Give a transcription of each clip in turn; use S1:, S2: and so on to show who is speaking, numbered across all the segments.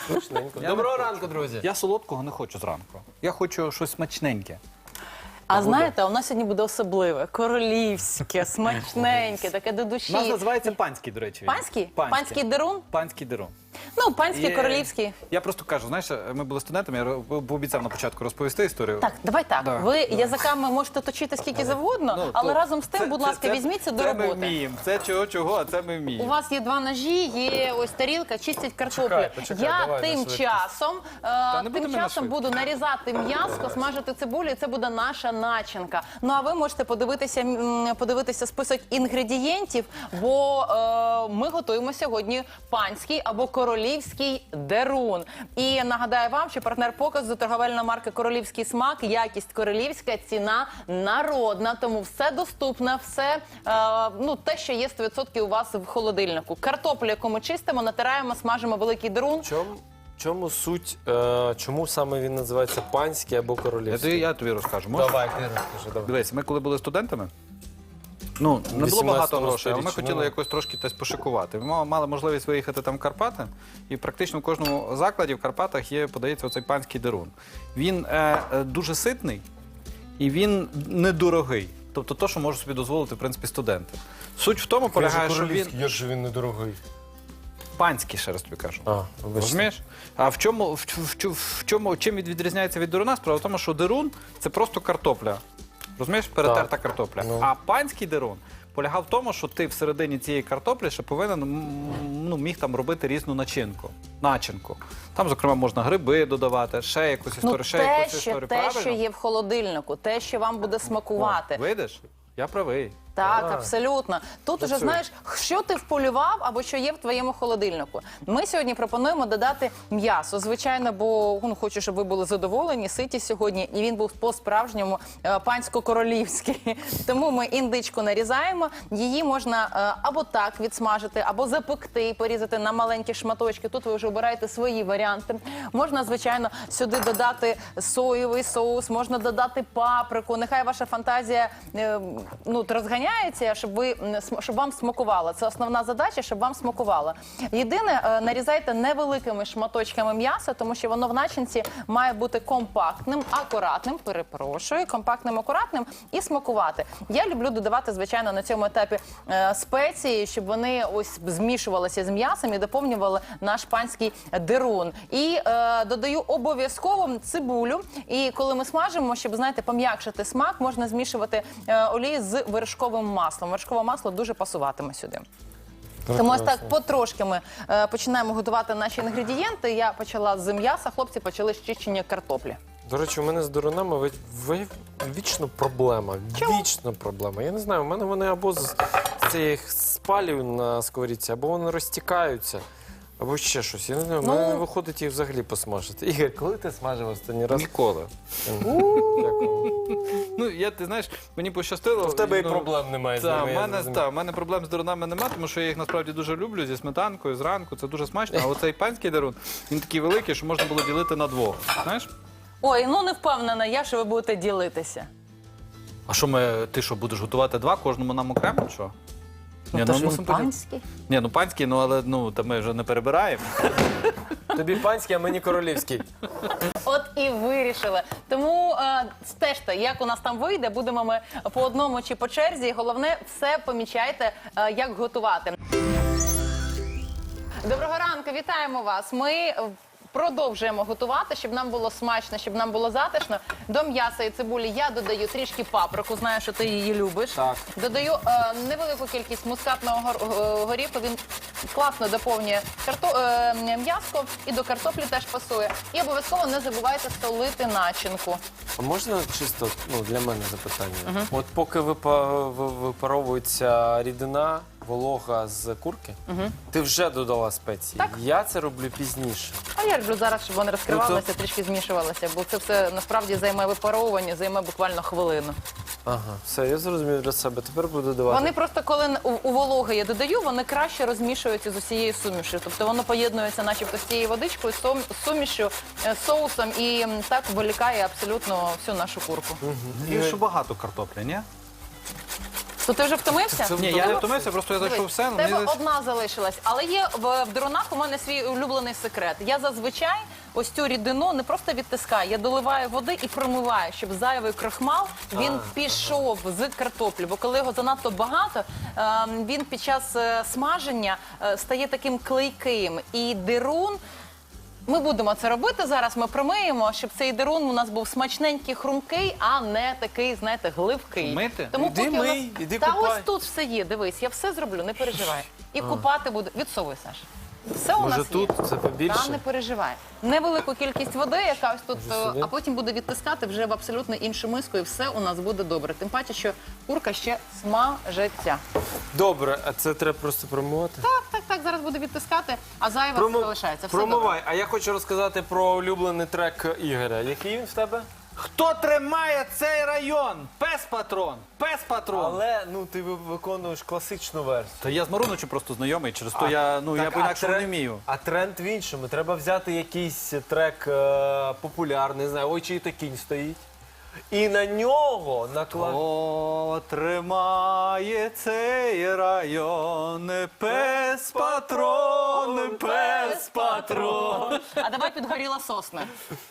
S1: Смачненько. Доброго ранку, друзі.
S2: Я солодкого не хочу зранку. Я хочу щось смачненьке.
S3: А знаєте, у нас сьогодні буде особливе, королівське, смачненьке, таке до
S2: У нас
S3: душі.
S2: називається панський, до речі.
S3: Панський? Панський дерун?
S2: Панський дерун.
S3: Ну, панський,
S2: Є-
S3: королівський.
S2: Я просто кажу, знаєш, ми були студентами, я пообіцяв на початку розповісти історію.
S3: Так, давай так.
S2: Да.
S3: Ви язиками можете точити скільки завгодно,
S2: Ну,
S3: але
S2: то
S3: разом з тим, будь ласка, візьміться до
S2: Це ми
S3: роботи.
S2: вміємо. Це чого, а це ми
S3: У
S2: вміємо.
S3: вас є два ножі, є ось тарілка, чистять картоплю.
S1: Почекай,
S3: Я
S1: давай на
S3: тим
S1: швидкість.
S3: часом,
S2: не будемо на швидкість.
S3: буду нарізати м'ясо, смажити цибулю, і це буде наша начинка. Ну а ви можете подивитися список інгредієнтів, бо ми готуємо сьогодні панський або королівський дерун. І нагадаю вам, що партнер показу торговельна марка «Королівський смак», якість королівська, ціна народна, тому все доступне, все те, що є 100% у вас в холодильнику. Картоплю, яку ми чистимо, натираємо, смажимо великий дерун.
S1: Чому суть, чому саме він називається панський або королівський?
S2: Я тобі розкажу. Можеш?
S1: Давай, ти розкажи, давай.
S2: Дивись, ми коли були студентами, не було
S1: 18
S2: багато грошей, але ми
S1: сторіччі,
S2: хотіли якось трошки десь пошикувати. Ми мали можливість виїхати там в Карпати, і практично в кожному закладі в Карпатах подається оцей панський дерун. Він дуже ситний і він недорогий. Тобто те, що можуть собі дозволити, в принципі, студенти. Суть в тому полягає, що він
S1: Як же він недорогий?
S2: панський, ще раз тобі кажу.
S1: Вибачте.
S2: Розумієш? А чим він відрізняється від деруна? Справа в тому, що дерун – це просто картопля. Розумієш? Перетерта
S1: Так.
S2: картопля.
S1: Ну.
S2: А панський дерун полягав в тому, що ти всередині цієї картоплі ще повинен міг там робити різну начинку. Там, зокрема, можна гриби додавати, ще якусь історію, ще якусь історію.
S3: те, що
S2: Правильно?
S3: є в холодильнику, те, що вам буде смакувати.
S2: Видиш? Я правий.
S3: Так, абсолютно. Тут уже
S1: Працює.
S3: знаєш, що ти вполював або що є в твоєму холодильнику. Ми сьогодні пропонуємо додати м'ясо, звичайно, бо хочу, щоб ви були задоволені, ситі сьогодні, і він був по-справжньому пансько-королівський. Тому ми індичку нарізаємо, її можна або так відсмажити, або запекти, порізати на маленькі шматочки. Тут ви вже обираєте свої варіанти. Можна, звичайно, сюди додати соєвий соус, можна додати паприку. Нехай ваша фантазія розганяється, щоб вам смакувало. Це основна задача, щоб вам смакувало. Єдине, нарізайте невеликими шматочками м'яса, тому що воно в начинці має бути компактним, акуратним, компактним, акуратним і смакувати. Я люблю додавати, звичайно, на цьому етапі спеції, щоб вони ось змішувалися з м'ясом і доповнювали наш панський дерун. І додаю обов'язково цибулю. І коли ми смажимо, щоб, знаєте, пом'якшити смак, можна змішувати олію з вершковим маслом. Вершкове масло дуже пасуватиме сюди. Тому ось так потрошки ми починаємо готувати наші інгредієнти. Я почала з м'яса, хлопці почали з чищення картоплі.
S1: До речі, у мене з дерунами вічно проблема.
S3: Чому?
S1: Вічно проблема. Я не знаю, у мене вони або з цих спалів на сковорідці, або вони розтікаються, або ще щось. Я не знаю, у мене не виходить їх взагалі посмажити. Ігор, коли ти смажив останній раз?
S2: Ніколи.
S1: Дякую.
S2: Ти знаєш, мені пощастило.
S1: В тебе і проблем немає з ними, я зрозумів.
S2: У мене проблем з дерунами немає, тому що я їх насправді дуже люблю зі сметанкою, зранку, це дуже смачно. А оцей панський дерун, він такий великий, що можна було ділити на двох. Знаєш?
S3: Ой, не впевнена я, що ви будете ділитися.
S2: А що ти що, будеш готувати два, кожному нам окремо, що?
S3: То ж він панський.
S2: Панський, але ми вже не перебираємо.
S1: Тобі панський, а мені королівський.
S3: От і вирішили. Тому стежте, як у нас там вийде, будемо ми по одному чи по черзі. Головне, все помічайте, як готувати. Доброго ранку, вітаємо вас. Ми продовжуємо готувати, щоб нам було смачно, щоб нам було затишно. До м'яса і цибулі я додаю трішки паприку, знаю, що ти її любиш.
S2: Так.
S3: Додаю невелику кількість мускатного горіху, він класно доповнює м'ясо і до картоплі теж пасує. І обов'язково не забувайте солити начинку.
S1: А можна чисто для мене запитання? От поки випаровується рідина, волога з курки, ти вже додала спеції.
S3: Так.
S1: Я це роблю пізніше.
S3: А я люблю зараз, щоб вони розкривалися, трішки змішувалися, бо це все насправді займе випаровування, займе буквально хвилину.
S1: Ага, все, я зрозумів для себе. Тепер буду додавати.
S3: Вони просто, коли у вологи я додаю, вони краще розмішуються з усією сумішю. Тобто воно поєднується начебто з цією водичкою, з сумішю, соусом і так вилікає абсолютно всю нашу курку.
S2: І що багато картоплі, ні?
S3: То ти вже втомився?
S1: Це-
S2: Ні, я не втомився, просто я зайшов все.
S3: В тебе одна залишилась, але є в дерунах у мене свій улюблений секрет. Я зазвичай ось цю рідину не просто відтискаю, я доливаю води і промиваю, щоб зайвий крохмал він пішов з картоплі. Бо коли його занадто багато, він під час смаження стає таким клейким. І дерун. Ми будемо це робити зараз. Ми промиємо, щоб цей дерун у нас був смачненький, хрумкий, а не такий, знаєте, гливкий.
S2: Мити?
S3: Тому
S1: Іди
S3: поки у нас-
S1: мий, іди
S3: Та
S1: купай.
S3: ось тут все є. Дивись, я все зроблю, не переживай. І купати буду. Відсовуй, Саш. Все у
S1: Може
S3: нас
S1: тут
S3: є.
S1: це побільше?
S3: Та не переживай. Невелику кількість води, яка ось тут,
S1: Може сюди?
S3: а потім буде відтискати вже в абсолютно іншу миску, і все у нас буде добре. Тим паче, що курка ще смажеться.
S1: Добре, а це треба просто промивати?
S3: Так, зараз буде відтискати, а зайве все залишається. Все добре.
S1: Промивай. А я хочу розказати про улюблений трек Ігоря. Який він в тебе?
S2: Хто тримає цей район? Пес-патрон! Пес-патрон!
S1: Але ну ти виконуєш класичну версію.
S2: Та я з Маруничем просто знайомий, через то я
S1: Так,
S2: по-інакшому не вмію.
S1: А тренд в іншому. Треба взяти якийсь трек популярний, не знаю, ой, чий то кінь стоїть. І на нього накладати.
S2: Хто тримає цей район? Пес-патрон, пес-патрон.
S3: А давай підгоріла сосна.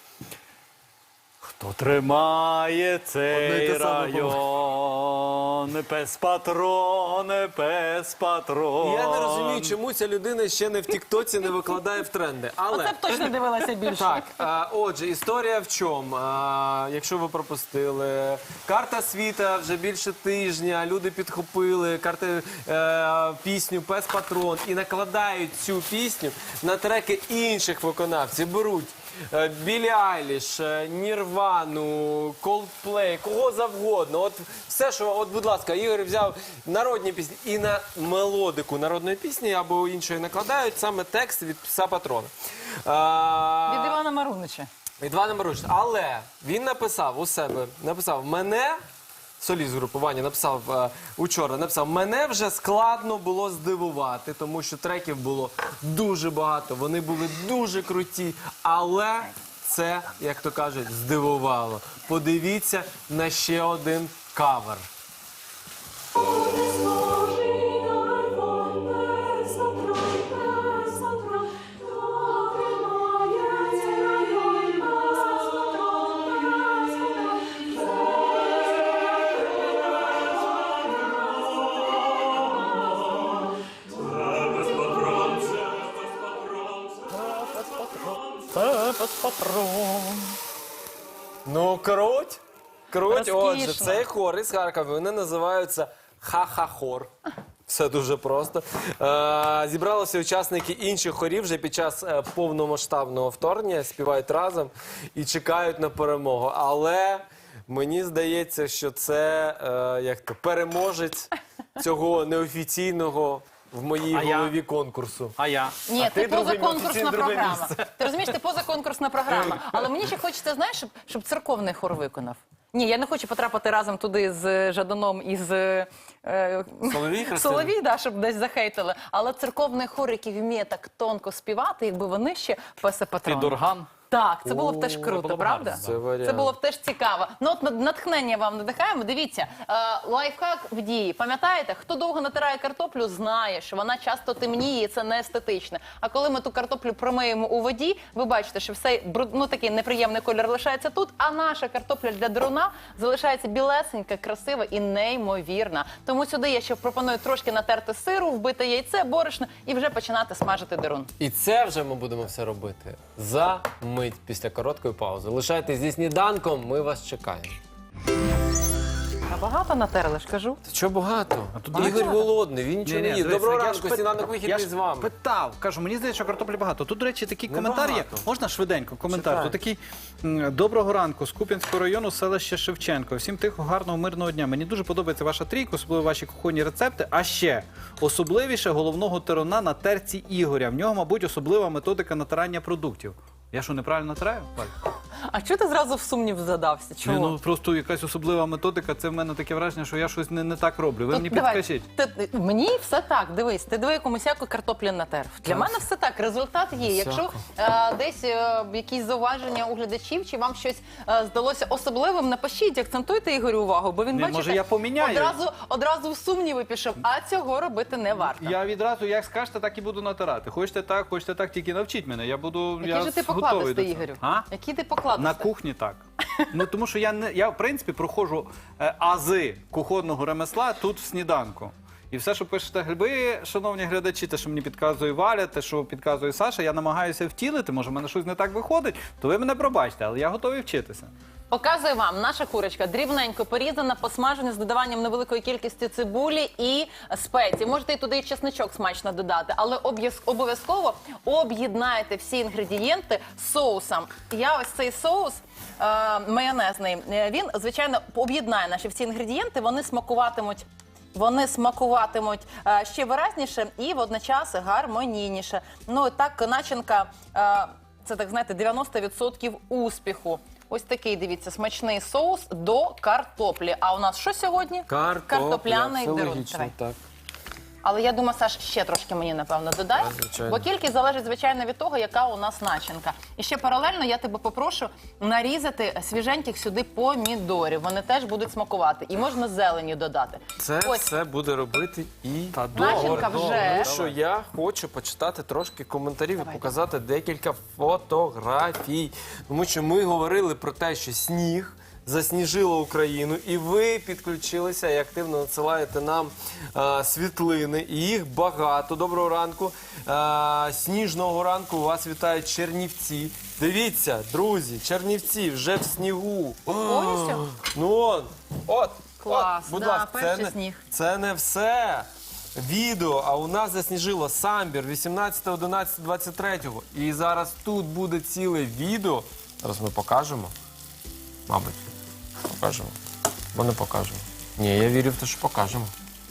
S2: Хто тримає
S1: Одне й
S2: цей
S1: те саме
S2: район? Пес-патрон, пес-патрон.
S1: Я не розумію, чому ця людина ще не в Тіктоці не викладає в тренди. Але
S3: Оце б точно дивилася більше.
S1: так, отже, історія в чому? Якщо ви пропустили, карта світа вже більше тижня, люди підхопили пісню «Пес Патрон» і накладають цю пісню на треки інших виконавців. Беруть Білі Айліш, Нірвану, Coldplay, кого завгодно. От все, що, от, будь ласка, Ігор взяв народні пісні і на мелодику народної пісні або іншої накладають саме текст від «Пса Патрона».
S3: Від Івана Марунича.
S1: Від Івана Марунича. Але він написав у себе, мене, соліст групування, написав учора, мене вже складно було здивувати, тому що треків було дуже багато, вони були дуже круті, але це, як то кажуть, здивувало. Подивіться на ще один кавер. Ну, круть. Круть.
S3: Розкішно.
S1: Отже, цей хор із Харкова, вони називаються Ха-ха-хор. Все дуже просто. Зібралися учасники інших хорів вже під час повномасштабного вторгнення, співають разом і чекають на перемогу. Але мені здається, що це переможець цього неофіційного в моїй
S2: А я?
S1: голові конкурсу.
S2: А я?
S3: Ні, ти
S1: друге
S3: позаконкурсна
S1: місце, друге
S3: програма.
S1: місце.
S3: Ти розумієш, ти позаконкурсна програма. Але мені ще хочеться, знаєш, щоб церковний хор виконав. Ні, я не хочу потрапити разом туди з Жаданом і з
S1: Соловій Христина?
S3: Соловій, да, щоб десь захейтили. Але церковний хор, який вміє так тонко співати, якби вони ще песе патрон.
S2: Під орган?
S3: Так, це було б теж
S2: Це
S3: круто,
S2: було б
S3: правда?
S2: гарно,
S1: Це варіант.
S3: Це було б теж цікаво. Ну от натхнення вам надихаємо. Дивіться, лайфхак в дії. Пам'ятаєте, хто довго натирає картоплю, знає, що вона часто темніє, і це не естетично. А коли ми ту картоплю промиємо у воді, ви бачите, що все такий неприємний колір лишається тут, а наша картопля для деруна залишається білесенька, красива і неймовірна. Тому сюди я ще пропоную трошки натерти сиру, вбити яйце, борошно і вже починати смажити дерун.
S1: І це вже ми будемо все робити за мить після короткої паузи. Лишайтесь зі сніданком, ми вас чекаємо.
S3: А багато натерли, ж кажу.
S1: Та чого багато?
S2: тут
S1: Ігор
S2: багато.
S1: голодний, він нічого не їсть.
S2: дивись,
S1: Доброго
S2: я ж
S1: ранку, сніданок
S2: я
S1: вихідний
S2: ж
S1: з вами.
S2: питав, кажу, мені здається, що картоплі багато. Тут, до речі, такий коментар є.
S1: Небагато.
S2: Можна швиденько коментар?
S1: Читай.
S2: Тут такий: доброго ранку з Куп'янського району, селище Шевченко. Всім тихого, гарного, мирного дня. Мені дуже подобається ваша трійка, особливо ваші кухонні рецепти. А ще особливіше головного теруна на терці Ігоря. В нього, мабуть, особлива методика натирання продуктів. Я що, неправильно натираю, Валь?
S3: А чого ти зразу в сумнів задався? Чому?
S2: Ну, просто якась особлива методика, це в мене таке враження, що я щось не так роблю. Ви мені
S3: Давай,
S2: підкажіть.
S3: Мені все так, дивись, ти диви, яку мисяку картоплі натер. Для мене все так, результат є. Якщо десь якісь зауваження у глядачів, чи вам щось здалося особливим, напишіть, акцентуйте Ігорю увагу, бо він,
S2: Ні,
S3: бачите,
S2: може, я поміняю.
S3: одразу в сумніви пішов, а цього робити не варто.
S2: Я відразу, як скажете, так і буду натирати. Хочете так, тільки навчіть мене. Я буду
S3: Який же ти
S2: готовий до
S3: покладистий,
S2: цього.
S3: Ігорю?
S2: А?
S3: Який ти покладистий?
S2: На кухні так. Ну, тому що я, в принципі, проходжу ази кухонного ремесла тут в сніданку. І все, що пишете ви, шановні глядачі, те, що мені підказує Валя, те, що підказує Саша, я намагаюся втілити, може в мене щось не так виходить, то ви мене пробачте, але я готовий вчитися.
S3: Показую вам, наша курочка дрібненько порізана, посмажена з додаванням невеликої кількості цибулі і спецій. Можете і туди і чесничок смачно додати, але обов'язково об'єднайте всі інгредієнти з соусом. Я ось цей соус майонезний, він, звичайно, об'єднає наші всі інгредієнти, вони смакуватимуть ще виразніше і водночас гармонійніше. Ну, так, начинка, це, так знаєте, 90% успіху. Ось такий, дивіться, смачний соус до картоплі. А у нас що сьогодні? Картопляний
S1: все
S3: дерун.
S1: логічно,
S3: Давай.
S1: так.
S3: Але я думаю, Саш, ще трошки мені, напевно, додай.
S1: Так, звичайно.
S3: Бо кількість залежить, звичайно, від того, яка у нас начинка. І ще паралельно я тебе попрошу нарізати свіженьких сюди помідорів. Вони теж будуть смакувати. І можна зелені додати.
S1: Це
S3: Ось.
S1: все буде робити і
S3: Начинка вже.
S1: Тому що я хочу почитати трошки коментарів і показати декілька фотографій. Тому що ми говорили про те, що сніг засніжило Україну, і ви підключилися і активно надсилаєте нам світлини. І їх багато. Доброго ранку. Сніжного ранку вас вітають Чернівці. Дивіться, друзі, Чернівці вже в снігу.
S3: Повністю?
S1: Ну, от.
S3: Клас,
S1: будь
S3: да,
S1: ласка,
S3: перший сніг.
S1: це не все. Відео, а у нас засніжило Самбір 18.11.23. І зараз тут буде ціле відео. Зараз ми покажемо. Мабуть, покажемо. Бо не покажемо. Ні, я вірю в те, що покажемо.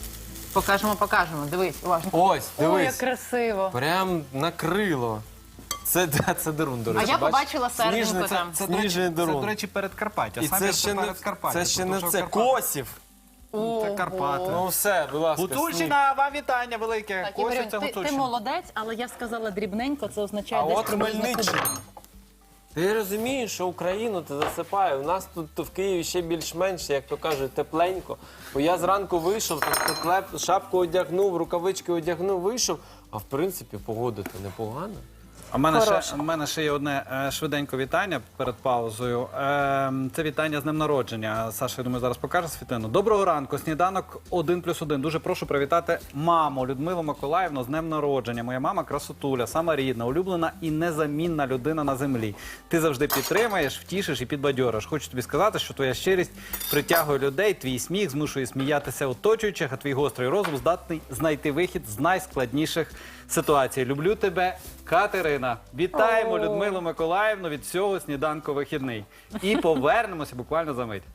S3: Покажемо. Дивись, уважно.
S1: Ось,
S3: Ой, як
S1: дивись.
S3: красиво.
S1: Прям накрило. Це дерун, до
S3: А
S1: речі.
S3: я
S1: бачиш?
S3: побачила серединку
S1: Сніжний,
S3: там.
S1: Сніжний
S2: Це,
S1: дерун.
S2: до речі, передкарпаття.
S1: І
S2: Самбір
S1: це ще не,
S2: передкарпаття,
S1: це ще
S2: тому
S1: не
S2: що
S1: це.
S2: Карпати-
S1: Косів.
S2: Це Карпати.
S1: Ну все, будь ласка. сніг.
S2: Гуцульщина, вам вітання велике.
S3: Так,
S2: Косів
S3: Ігорю,
S2: це
S3: ти
S2: Гуцульщина.
S3: молодець, але я сказала дрібненько, це означає
S1: А
S3: десь
S1: от
S3: приблизно
S1: Хмельниччина.
S3: куди.
S1: Ти розумієш, що Україну ти засипає. У нас тут в Києві ще більш-менш, як то кажуть, тепленько. Бо я зранку вийшов, шапку одягнув, рукавички одягнув, вийшов. А в принципі, погода-то непогана.
S2: У мене ще є одне швиденьке вітання перед паузою. Це вітання з днем народження. Саша, я думаю, зараз покаже світлину. Доброго ранку, сніданок 1+1. Дуже прошу привітати маму Людмилу Миколаївну з днем народження. Моя мама красотуля, сама рідна, улюблена і незамінна людина на землі. Ти завжди підтримаєш, втішиш і підбадьориш. Хочу тобі сказати, що твоя щирість притягує людей, твій сміх змушує сміятися оточуючих, а твій гострий розум здатний знайти вихід з найскладніших ситуацій. Люблю тебе, Катерина. Вітаємо Людмилу Миколаївну від всього сніданку вихідний. І повернемося буквально за мить.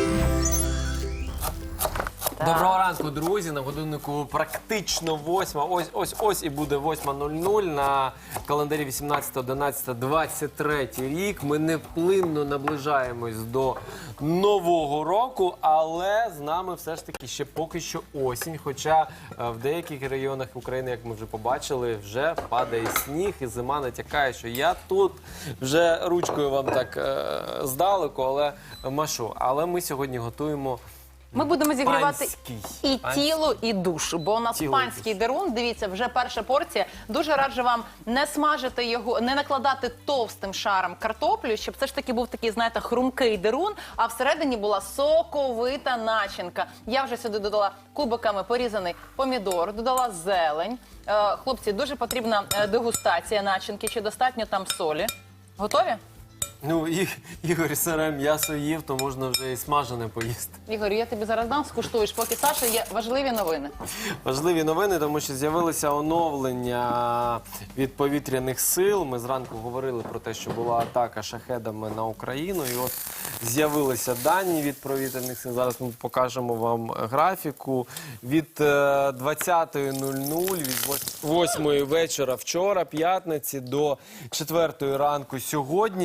S1: Доброго ранку, друзі. На годиннику практично 8. Ось і буде 8:00 на календарі 18.11.23 рік. Ми невплинно наближаємось до Нового року, але з нами все ж таки ще поки що осінь. Хоча в деяких районах України, як ми вже побачили, вже падає сніг і зима натякає, що я тут вже ручкою вам так здалеку, але машу. Але ми сьогодні готуємо
S3: Ми будемо зігрівати
S1: панський.
S3: і тіло, і душу, бо у нас
S1: Тіло і
S3: панський дерун, дивіться, вже перша порція. Дуже раджу вам не смажити його, не накладати товстим шаром картоплю, щоб це ж таки був такий, знаєте, хрумкий дерун, а всередині була соковита начинка. Я вже сюди додала кубиками порізаний помідор, додала зелень. Хлопці, дуже потрібна дегустація начинки, чи достатньо там солі. Готові?
S1: Ну, Ігор сире м'ясо їв, то можна вже і смажене поїсти.
S3: Ігор, я тобі зараз дам, скуштуєш, поки Саша є важливі новини.
S1: Важливі новини, тому що з'явилися оновлення від повітряних сил. Ми зранку говорили про те, що була атака шахедами на Україну. І от з'явилися дані від повітряних сил. Зараз ми покажемо вам графіку. Від 20:00, від 8:00 вечора вчора, п'ятниці, до 4:00 ранку сьогодні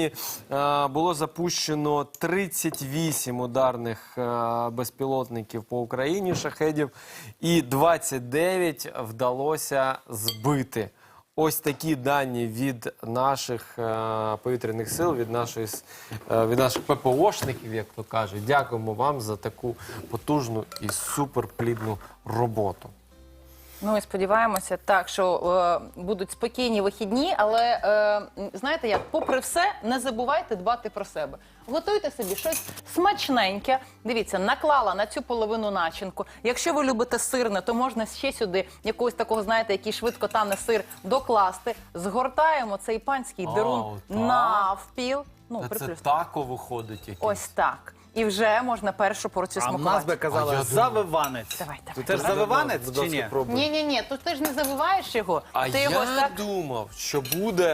S1: було запущено 38 ударних безпілотників по Україні, шахедів, і 29 вдалося збити. Ось такі дані від наших повітряних сил, від наших ППОшників, як то кажуть. Дякуємо вам за таку потужну і суперплідну роботу.
S3: Ну і сподіваємося, так, що будуть спокійні вихідні, але знаєте як, попри все, не забувайте дбати про себе. Готуйте собі щось смачненьке. Дивіться, наклала на цю половину начинку. Якщо ви любите сирне, то можна ще сюди якогось такого, знаєте, який швидко тане сир докласти. Згортаємо цей панський дерун
S1: так?
S3: навпіл. Ну,
S1: Це
S3: приплюс.
S1: тако виходить якийсь.
S3: Ось так. І вже можна першу порцію
S2: А в нас
S3: смакувати.
S2: би казали завиванець.
S3: Давай.
S2: Ти теж завиванець чи ні?
S3: Ні, тут ти ж не завиваєш його.
S1: А
S3: ти його
S1: я
S3: ось так...
S1: думав, що буде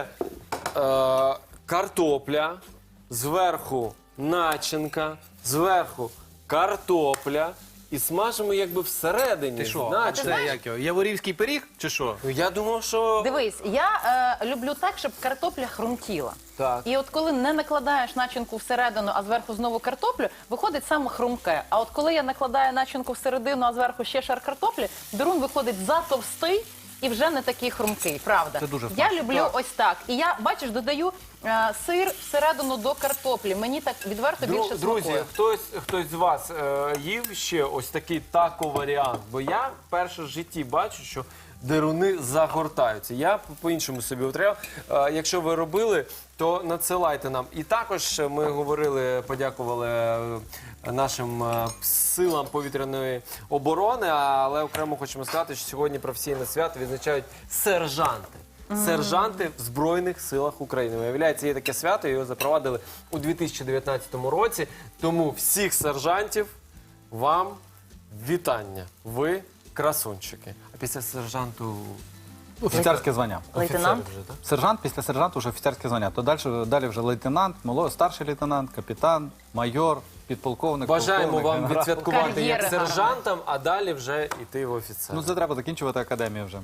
S1: картопля, зверху начинка, зверху картопля, і смажимо якби всередині.
S2: Ти що?
S1: начинку.
S2: Це як його? Яворівський пиріг чи що?
S1: Ну, я думав, що...
S3: Дивись, я люблю так, щоб картопля хрумтіла.
S1: Так.
S3: І от коли не накладаєш начинку всередину, а зверху знову картоплю, виходить саме хрумке. А от коли я накладаю начинку всередину, а зверху ще шар картоплі, дерун виходить затовстий і вже не такий хрумкий, правда?
S2: Це дуже
S3: Я
S2: смачно.
S3: люблю ось так. І я, бачиш, додаю сир всередину до картоплі. Мені так відверто більше
S1: Друзі,
S3: смакує.
S1: хтось з вас їв ще ось такий тако-варіант? Бо я вперше в житті бачу, що деруни загортаються. Я по-іншому собі утряв. Якщо ви робили, то надсилайте нам. І також ми говорили, подякували нашим силам повітряної оборони, але окремо хочемо сказати, що сьогодні професійне свято відзначають сержанти. Сержанти в Збройних силах України. Виявляється, є таке свято, його запровадили у 2019 році. Тому всіх сержантів вам вітання. Ви красунчики. А після сержанту...
S2: Офіцерське звання.
S3: Лейтенант?
S1: Офіцер вже, так?
S2: Сержант, після сержанту вже офіцерське звання. То далі вже лейтенант, старший лейтенант, капітан, майор, підполковник,
S1: Бажаємо
S2: полковник,
S1: вам
S2: генерал.
S1: відсвяткувати як
S3: Кар'єри
S1: сержантам, а далі вже йти в офіцер.
S2: Ну це треба закінчувати академію вже.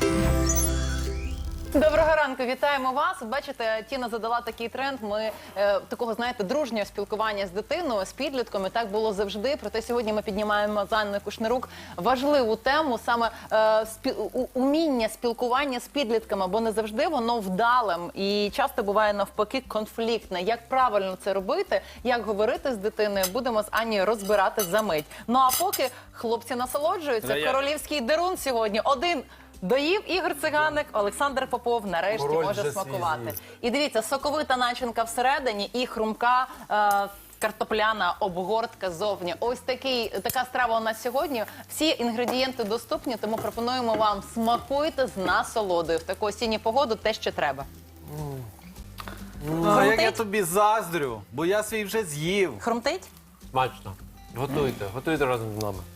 S3: Доброго ранку, вітаємо вас. Бачите, Тіна задала такий тренд. Ми такого, знаєте, дружнього спілкування з дитиною, з підлітком. І так було завжди. Проте сьогодні ми піднімаємо з Анною Кушнирук важливу тему, саме уміння спілкування з підлітками, бо не завжди воно вдалим. І часто буває навпаки конфліктне. Як правильно це робити, як говорити з дитиною, будемо з Аннією розбирати за мить. Ну а поки хлопці насолоджуються, королівський дерун сьогодні один доїв Ігор Циганик, Олександр Попов нарешті
S1: Король
S3: може
S1: вже
S3: смакувати.
S1: свій з'їв.
S3: І дивіться, соковита начинка всередині і хрумка картопляна обгортка ззовні. Ось така страва у нас сьогодні. Всі інгредієнти доступні, тому пропонуємо вам смакуйте з насолодою. В таку осінню погоду те, що треба.
S2: А як я тобі заздрю, бо я свій вже з'їв.
S3: Хрумтить?
S1: Смачно. Готуйте разом з нами.